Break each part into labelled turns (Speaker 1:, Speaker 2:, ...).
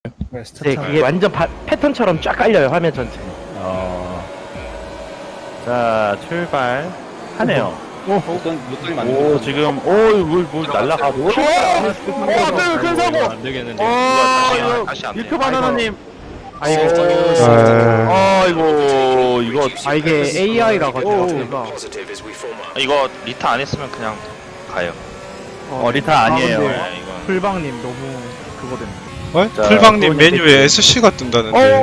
Speaker 1: 네, 그게 완전 패턴처럼 쫙 깔려요, 화면 전체.
Speaker 2: 자, 출발하네요.
Speaker 3: 오,
Speaker 2: 지금, 뭘 날라가고. 큰 사고!
Speaker 3: 안 되겠는데.
Speaker 4: 다시 안 돼.
Speaker 2: 밀크 바나나님.
Speaker 1: 아이고,
Speaker 2: 이거.
Speaker 1: 아, 이게 AI라 가지고.
Speaker 4: 이거 리타 안 했으면 그냥 가요.
Speaker 2: 리타 아니에요.
Speaker 1: 근데
Speaker 2: 네, 이건.
Speaker 1: 풀방님 너무 그거 됐네.
Speaker 2: 자,
Speaker 5: 풀방님
Speaker 2: 소원이
Speaker 5: 메뉴에 SC가 뜬다는데.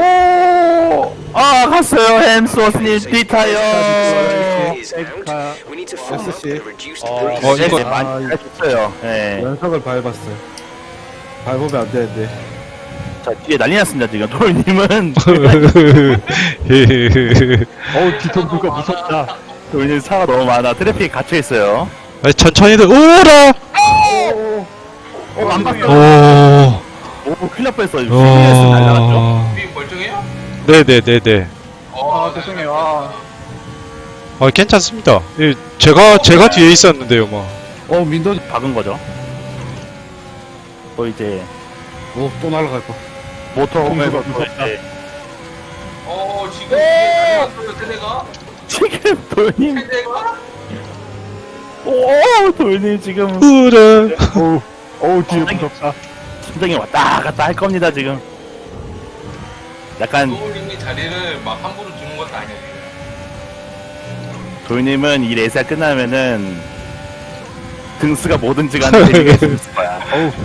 Speaker 2: 갔어요. 햄스워스님, 리타요.
Speaker 6: SC
Speaker 5: 이거
Speaker 2: 많이 했어요. 네.
Speaker 6: 연석을 밟았어요. 밟으면 안 되는데.
Speaker 2: 자, 뒤에 난리 났습니다, 지금. 돌님은.
Speaker 1: 뒤통수가 무섭다.
Speaker 2: 돌님 차가 너무 많아. 트래픽에 갇혀있어요.
Speaker 5: 천천히들 오라.
Speaker 2: 안 봤어. 큰일 날 뻔했어. CBS 날라갔죠?
Speaker 3: 멀쩡해요?
Speaker 5: 네네네네.
Speaker 3: 죄송해요.
Speaker 5: 괜찮습니다. 제가 뒤에 있었는데요, 뭐.
Speaker 6: 민도.
Speaker 2: 박은 거죠. 또 이제,
Speaker 6: 또 날아갈 거.
Speaker 2: 모터홈을
Speaker 3: 지금 달려왔어요, 세대가?
Speaker 2: 지금 돌님,
Speaker 3: 세대가?
Speaker 2: 돌님 지금.
Speaker 5: 오라.
Speaker 1: 뒤에 무섭다.
Speaker 2: 심장이 왔다 갔다 할 겁니다, 지금. 약간,
Speaker 3: 노을님이 자리를 막 함부로 주는 것도 아니에요.
Speaker 2: 돌님은 이 레이스가 끝나면은, 등수가 뭐든지 간에 데리게 해줄 거야.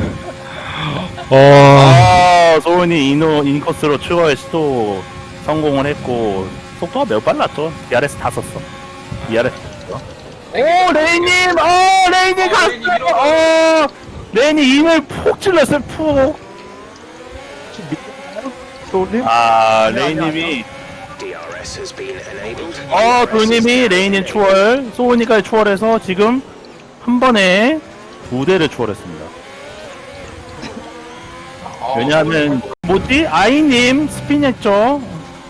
Speaker 2: 소은이 인코스로 추월 시도 성공을 했고, 속도가 매우 빨랐죠. DRS 다 썼어. DRS 썼어. 레이님! 레이님 갔어요! 레이님 인을 푹 찔렀어요, 푹! 레이님이, 돌님이 레이님 추월, 소은이까지 추월해서 지금 한 번에 2대를 추월했습니다. 왜냐하면 아이님 스핀했죠.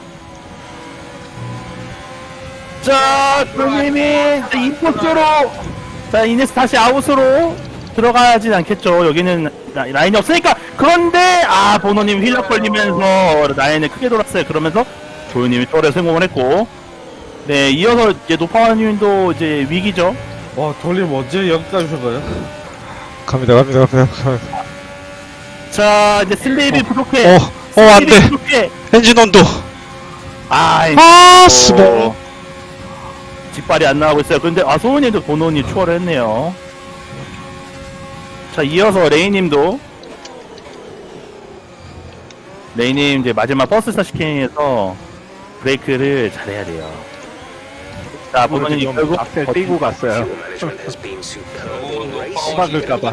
Speaker 2: 자, 돌님이 인코스로, 자, 이네스 다시 아웃으로 들어가진 않겠죠. 여기는 라인이 없으니까. 그런데 보노님 휠락 걸리면서 라인을 크게 돌았어요. 그러면서 조유님이 또래 성공을 했고, 네, 이어서 이제 노파와님도 이제 위기죠.
Speaker 6: 돌림 언제 여기까지 오신 거예요?
Speaker 5: 갑니다.
Speaker 2: 자, 이제 슬레이비 부족해.
Speaker 5: 안 돼.
Speaker 2: 부족해.
Speaker 5: 엔진 온도. 스모.
Speaker 2: 직발이 안 나오고 있어요. 근데 소은이도 보노님 추월을 했네요. 자, 이어서 레이님도 레이님 이제 마지막 버스 스타시킹에서 브레이크를 잘해야 돼요. 자, 보노님 결국
Speaker 1: 앞에 띄고 갔어요.
Speaker 3: 막을까봐.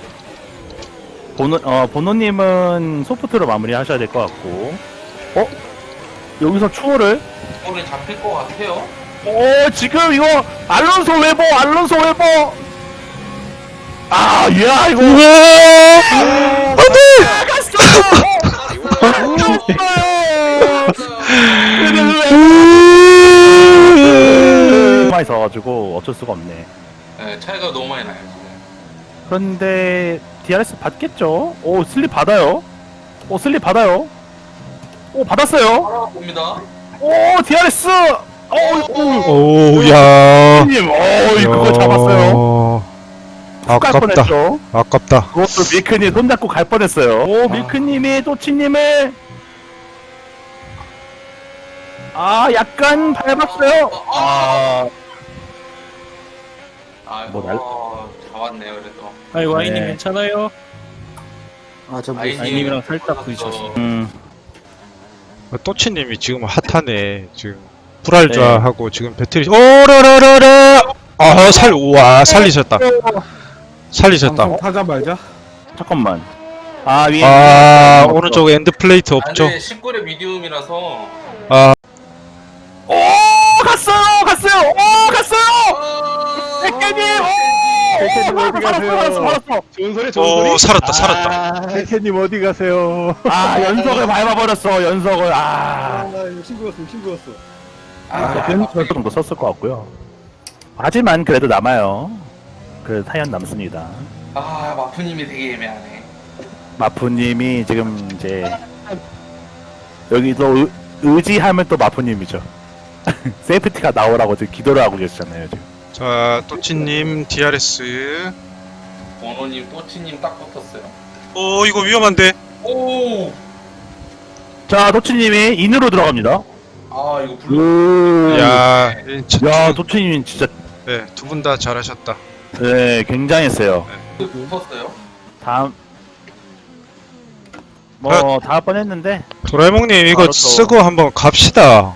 Speaker 2: 보노님은 소프트로 마무리하셔야 될 것 같고, 여기서 추월을
Speaker 3: 오늘 잡힐 것 같아요.
Speaker 2: 지금 이거 알론소 웨버 이거 많이 있어가지고 어쩔 수가 없네.
Speaker 3: 네, 차이가 너무 많이 나요. 지금.
Speaker 2: 그런데 DRS 받겠죠? 슬립 받아요. 슬립 받아요. 받았어요.
Speaker 3: 봅니다.
Speaker 2: DRS.
Speaker 5: 야.
Speaker 2: 님, 그거 잡았어요. 갈
Speaker 5: 아깝다.
Speaker 2: 뻔했죠.
Speaker 5: 아깝다.
Speaker 2: 그것도 밀크님 손잡고 갈 뻔했어요. 밀크님이 또치님을 약간 밟았어요.
Speaker 3: 잡았네요, 그래도.
Speaker 2: 아이고, 아이님 괜찮아요?
Speaker 3: 아이님이랑
Speaker 1: 살짝 부딪혔어.
Speaker 5: 또치님이 지금 핫하네. 지금 불알좌하고 지금 배터리. 오라라라라. 살리셨다.
Speaker 6: 방송 타자 말자.
Speaker 2: 잠깐만. 위에.
Speaker 5: 오른쪽 엔드 플레이트 없죠?
Speaker 3: 근데 19의 미디움이라서.
Speaker 2: 갔어요. 백개님.
Speaker 1: 어디 가세요?
Speaker 2: 살았어.
Speaker 1: 좋은 소리, 좋은 소리.
Speaker 5: 살았다.
Speaker 1: 백혜님 어디 가세요?
Speaker 2: 연석을 밟아버렸어. 연석을.
Speaker 6: 욕심 부렸어.
Speaker 2: 저 정도 썼을 것 같고요. 하지만 그래도 남아요. 그 타연 남습니다.
Speaker 3: 마프님이 되게 애매하네.
Speaker 2: 마푸님이 지금 이제 여기서 의지하면 또 마푸님이죠. 세이프티가 나오라고 지금 기도를 하고 계시잖아요 지금.
Speaker 5: 자, 또치님 DRS.
Speaker 3: 번호님, 또치님 딱 붙었어요.
Speaker 5: 이거 위험한데.
Speaker 3: 오!
Speaker 2: 자 도치님이 인으로 들어갑니다.
Speaker 3: 아, 이거 불러.
Speaker 5: 야,
Speaker 2: 야 도치님 진짜
Speaker 5: 네, 두 분 다 잘하셨다.
Speaker 2: 네 굉장했어요.
Speaker 3: 붙었어요?
Speaker 2: 다음 뭐 다음 번 했는데
Speaker 5: 도라에몽님 이거
Speaker 2: 바로 또-
Speaker 5: 쓰고 한번 갑시다.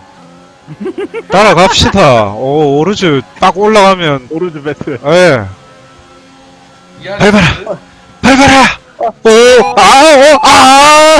Speaker 5: 따라갑시다. 오르즈 딱 올라가면
Speaker 2: 오르드 배트.
Speaker 5: 예.
Speaker 3: 야,
Speaker 5: 밟아라. 밟아라. 아!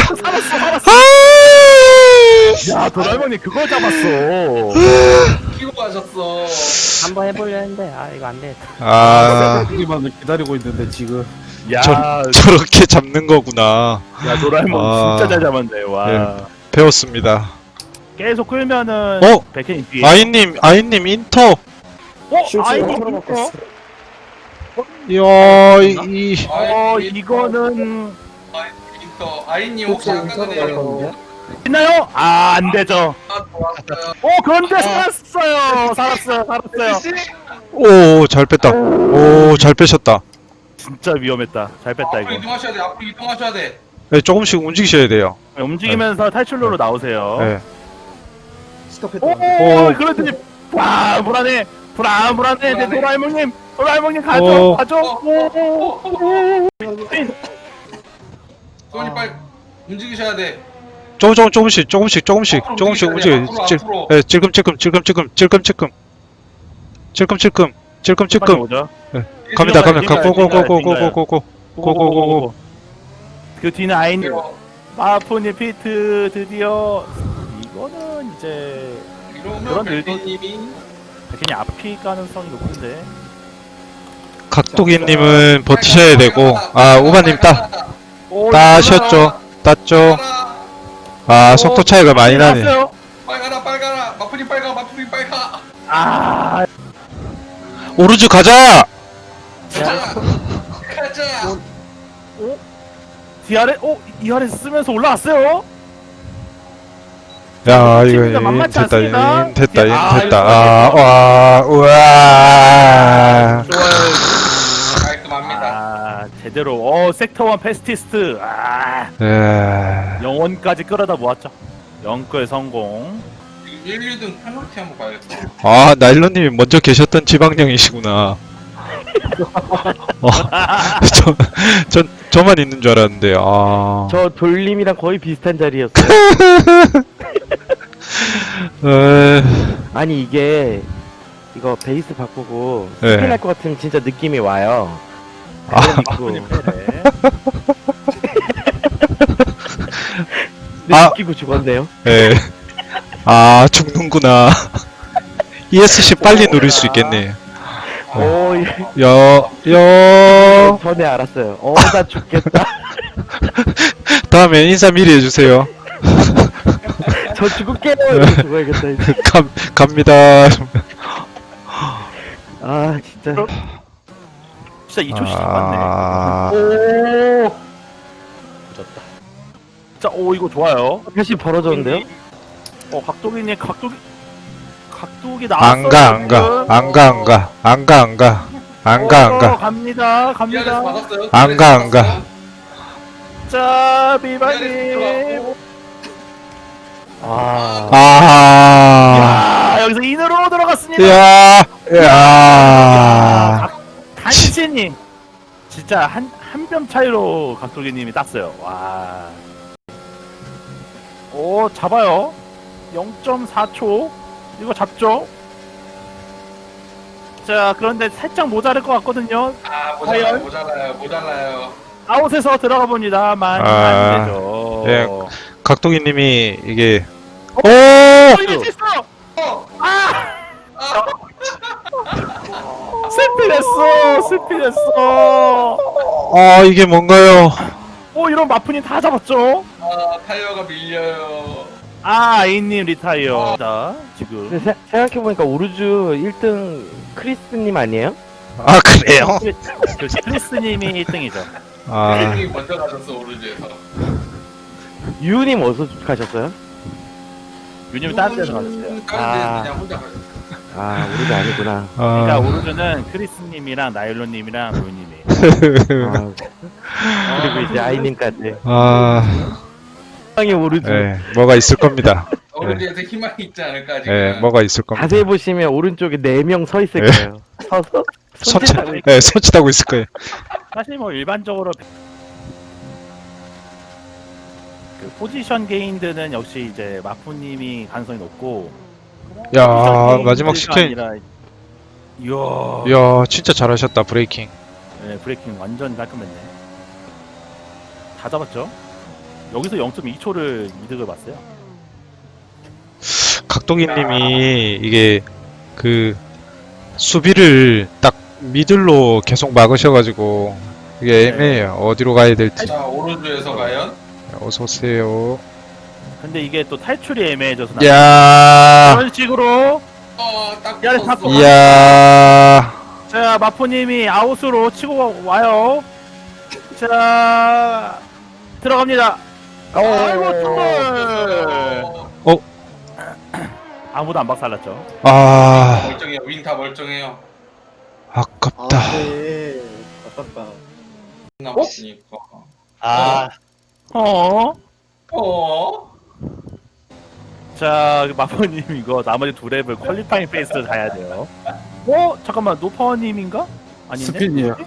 Speaker 2: 야 도라에몽이 그걸 잡았어.
Speaker 3: 키고 가셨어.
Speaker 1: 한번 해보려 했는데 아 이거 안 돼.
Speaker 6: 여기만 기다리고 있는데 지금.
Speaker 2: 야,
Speaker 5: 저렇게 잡는 거구나.
Speaker 2: 야 도라에몽
Speaker 5: 아.
Speaker 2: 진짜 잘 잡았네. 와.
Speaker 5: 예. 배웠습니다.
Speaker 2: 계속 끌면은 백현이 뒤에.
Speaker 5: 아이님 인터.
Speaker 2: 아이님 이거.
Speaker 5: 이야,
Speaker 2: 이거는
Speaker 3: 인터. 아이님 혹시 아까 전에
Speaker 2: 있나요? 안 되죠.
Speaker 3: 좋았어요.
Speaker 2: 그런데 살았어요.
Speaker 5: 오, 잘 뺐다. 오, 잘 빼셨다.
Speaker 2: 진짜 위험했다. 잘 뺐다
Speaker 3: 앞으로
Speaker 2: 이거.
Speaker 3: 이동하셔야 돼. 앞으로 이동하셔야 돼.
Speaker 5: 네, 조금씩 움직이셔야 돼요.
Speaker 2: 움직이면서 탈출로로 나오세요.
Speaker 5: 네.
Speaker 2: 오, 그렇더니 불안해. 내 도라에몽님 가죠.
Speaker 3: 소니 빨리 움직이셔야 돼.
Speaker 5: 조금씩
Speaker 3: 앞으로
Speaker 5: 움직여.
Speaker 3: 앞으로.
Speaker 5: 네, 찔끔찔끔.
Speaker 2: 빨리 오죠.
Speaker 5: 갑니다.
Speaker 2: 링가요.
Speaker 5: 고고고고고고고고고고고고고.
Speaker 2: 그 뒤는 아이님, 마푸님 피트 드디어 이거는 이제 그런
Speaker 3: 이러면
Speaker 2: 일도-
Speaker 3: 백희님이
Speaker 2: 백현이 앞이 가능성이 높은데.
Speaker 5: 각도기님은 버티셔야 되고, 우바님 따셨죠? 땄죠? 속도 차이가 많이 나네.
Speaker 2: 나왔어요.
Speaker 3: 빨가라. 마프님 빨가.
Speaker 2: 아,
Speaker 5: 오르즈 가자!
Speaker 3: 가자.
Speaker 2: DRS 쓰면서 올라왔어요.
Speaker 5: 야,
Speaker 2: 진짜
Speaker 5: 이거
Speaker 2: 만만치 않습니다.
Speaker 5: 됐다. 우와.
Speaker 3: 깔끔합니다.
Speaker 2: 제대로. 섹터 1 패스티스트.
Speaker 5: 예.
Speaker 2: 영원까지 끌어다 모았죠. 영끌 성공.
Speaker 3: 1, 2등 페널티 한번 봐야겠다.
Speaker 5: 나일론님이 먼저 계셨던 지방령이시구나. 저만 있는 줄 알았는데,
Speaker 1: 저 돌림이랑 거의 비슷한 자리였어요. 아니 이게 이거 베이스 바꾸고
Speaker 5: 네.
Speaker 1: 스피할 것 같은 진짜 느낌이 와요.
Speaker 2: 마푸님 패래.
Speaker 1: 느끼고 죽었네요.
Speaker 5: 예. 죽는구나. ESC 빨리 누릴 수 있겠네.
Speaker 1: 오, 전에 알았어요. 나 죽겠다.
Speaker 5: 다음에 인사 미리 해주세요.
Speaker 1: 저 죽을게요. 이러고 죽어야겠다 이제.
Speaker 5: 갑니다.
Speaker 1: 진짜.
Speaker 2: 진짜 이초씨 잡았네.
Speaker 5: 아,
Speaker 2: 자, 이거 좋아요.
Speaker 1: 다시 벌어졌는데요?
Speaker 2: 각도기님 각도기 나왔어요.
Speaker 5: 안 가.
Speaker 2: 갑니다.
Speaker 3: DRS 받았어요.
Speaker 5: 안 가.
Speaker 2: 자, 비바님. 여기서 인으로 들어갔습니다.
Speaker 5: 야.
Speaker 2: 간신히 진짜 한 뼘 차이로 각도기님이 땄어요. 와. 잡아요. 0.4초. 이거 잡죠? 자, 그런데 살짝 모자랄 것 같거든요.
Speaker 3: 모자라요.
Speaker 2: 아웃에서 들어가 봅니다만
Speaker 5: 아,
Speaker 2: 안 되죠.
Speaker 5: 예. 각도기님이 이게
Speaker 2: 이게 됐어. 스피됐어.
Speaker 5: 이게 뭔가요?
Speaker 2: 이런 마프님 다 잡았죠?
Speaker 3: 타이어가 밀려요.
Speaker 2: 아이님 리타이어. 자, 지금
Speaker 1: 근데 생각해보니까 오르주 1등 크리스님 아니에요?
Speaker 5: 그래요?
Speaker 2: 크리스님이 1등이죠.
Speaker 5: 아,
Speaker 3: 아이님이 먼저 가셨어 오른쪽에서.
Speaker 1: 유님 어디서 가셨어요?
Speaker 2: 유님 다른 데서 가셨어요.
Speaker 3: 다른 데 그냥 혼자 가셨어.
Speaker 1: 아, 우리도 아니구나.
Speaker 2: 그러니까
Speaker 5: 아,
Speaker 2: 오르주는 크리스님이랑 나일론님이랑 로이님이.
Speaker 1: 아, 그리고 이제 아이님까지.
Speaker 5: 아,
Speaker 1: 빵이 오르죠.
Speaker 5: 네, 뭐가 있을 겁니다.
Speaker 3: 오른쪽에서 희망이 있지 않을까 지금.
Speaker 5: 네, 뭐가 있을 겁니다.
Speaker 1: 자세히 보시면 오른쪽에 4명 서 있을
Speaker 5: 네.
Speaker 1: 거예요. 서서
Speaker 5: 손짓,
Speaker 1: 손짓하고 있-
Speaker 5: 네, 손짓하고 있을 거예요.
Speaker 2: 사실 뭐 일반적으로 그 포지션 게인드는 역시 이제 마푸님이 가능성이 높고.
Speaker 5: 야,
Speaker 2: 포지션
Speaker 5: 마지막
Speaker 2: 게인드가
Speaker 5: 스캔.
Speaker 2: 아니라- 이야.
Speaker 5: 이야, 진짜 잘하셨다, 브레이킹.
Speaker 2: 네, 브레이킹 완전 깔끔했네. 다 잡았죠? 여기서 0.2초를 이득을 봤어요.
Speaker 5: 각도기님이 이게 그 수비를 딱 미들로 계속 막으셔가지고 이게 애매해요. 어디로 가야 될지.
Speaker 3: 자 오른쪽에서 과연
Speaker 5: 어서 오세요.
Speaker 2: 근데 이게 또 탈출이 애매해져서
Speaker 5: 야,
Speaker 2: 그런 식으로
Speaker 3: 딱
Speaker 2: 야,
Speaker 3: 붙었어.
Speaker 2: 잡고
Speaker 5: 이야,
Speaker 2: 자 마포님이 아웃으로 치고 와요. 자 들어갑니다. 아이고 정말
Speaker 3: 어,
Speaker 2: 아무도 안 박살났죠.
Speaker 5: 아,
Speaker 3: 멀쩡해요. 윙 다 멀쩡해요.
Speaker 5: 아깝다.
Speaker 3: 남았으니까.
Speaker 2: 어?
Speaker 3: 어?
Speaker 2: 자 마포님 이거 나머지 두 랩을 퀄리파잉 페이스를 가야 돼요. 잠깐만 노파워님인가? 아닌데?
Speaker 6: 스핀이에요.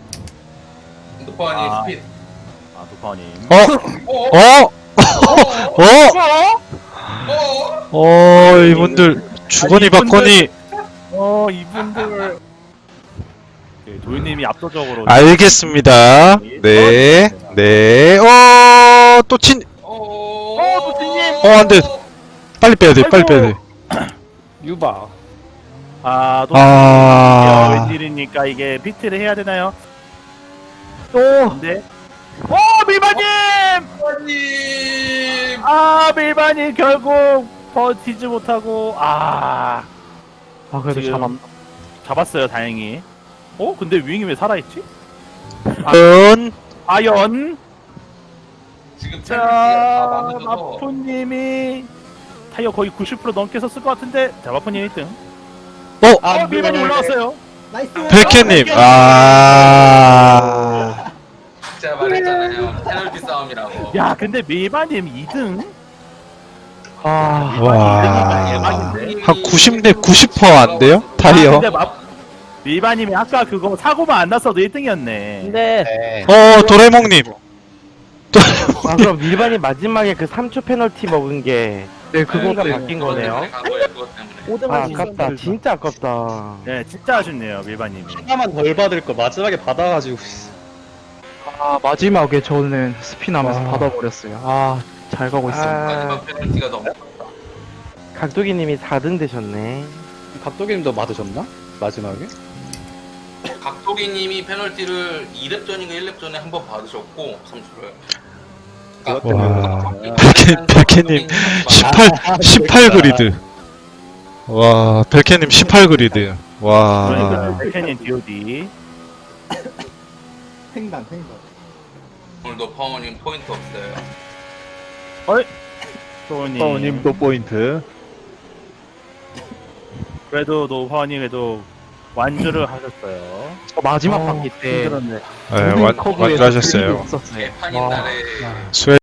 Speaker 3: 노파니
Speaker 2: 아.
Speaker 3: 스피드.
Speaker 2: 아 노파워님.
Speaker 5: 어? 이분들 주거니
Speaker 2: 아니,
Speaker 5: 받거니.
Speaker 2: 이분들 도윤님이 압도적으로
Speaker 5: 알겠습니다. 네, 네. 또 친.
Speaker 2: 도진님!
Speaker 5: 안 돼. 빨리 빼야 돼, 빨리 빼야 돼.
Speaker 6: 유바.
Speaker 5: 아.
Speaker 2: 웬일입니까 이게 비트를 해야 되나요?
Speaker 1: 또
Speaker 2: 근데 밀바님!
Speaker 3: 노파님.
Speaker 2: 밀바님 결국 버티지 못하고
Speaker 1: 그래도
Speaker 2: 지금 잡았어요 다행히. 근데 윙이 왜 살아있지? 아연!
Speaker 3: 지금
Speaker 2: 자
Speaker 3: 다 맞아서
Speaker 2: 마포님이 타이어 거의 90% 넘게 썼을 것 같은데 자 마포님 1등. 밀바님 올라왔어요.
Speaker 5: 백혜님.
Speaker 3: 제가 말했잖아요. 페널티 싸움이라고.
Speaker 2: 야 근데 밀바님 2등?
Speaker 5: 와.
Speaker 2: 대박인데?
Speaker 5: 한 90% 안 돼요? 타이어?
Speaker 2: 근데 밀바님이 아까 그거 사고만 안 났어도 1등이었네.
Speaker 1: 근데
Speaker 5: 도레몽님.
Speaker 1: 그럼 밀반이 마지막에 그 3초 페널티 먹은 게 그거가 바뀐 거네요.
Speaker 3: 그것 때문에.
Speaker 1: 아깝다. 진짜 아깝다.
Speaker 2: 네 진짜 아쉽네요 밀바님이.
Speaker 7: 하나만 덜 받을 거 마지막에 받아가지고
Speaker 8: 마지막에 저는 스피나면서 받아버렸어요. 잘 가고 있어요.
Speaker 3: 마지막 페널티가 너무
Speaker 1: 각도기님이 4등 되셨네.
Speaker 7: 각도기님도 받으셨나? 마지막에?
Speaker 3: 각도기님이 페널티를 2렙 전인가 1렙 전에 한 번 받으셨고 3초를.
Speaker 5: 와. 백혜님 18 그리드. 와, 백혜님 18 그리드. 와.
Speaker 2: 그러니까 백현님 DOD.
Speaker 3: 오늘도 파워님 포인트 없어요.
Speaker 2: 소님
Speaker 6: 또 포인트.
Speaker 2: 그래도 노파원님 그래도 완주를 하셨어요.
Speaker 8: 마지막 바퀴 때
Speaker 1: 힘들었네.
Speaker 5: 네, 완주하셨어요.
Speaker 8: 없었어요.
Speaker 3: 판인 날에
Speaker 5: 수혜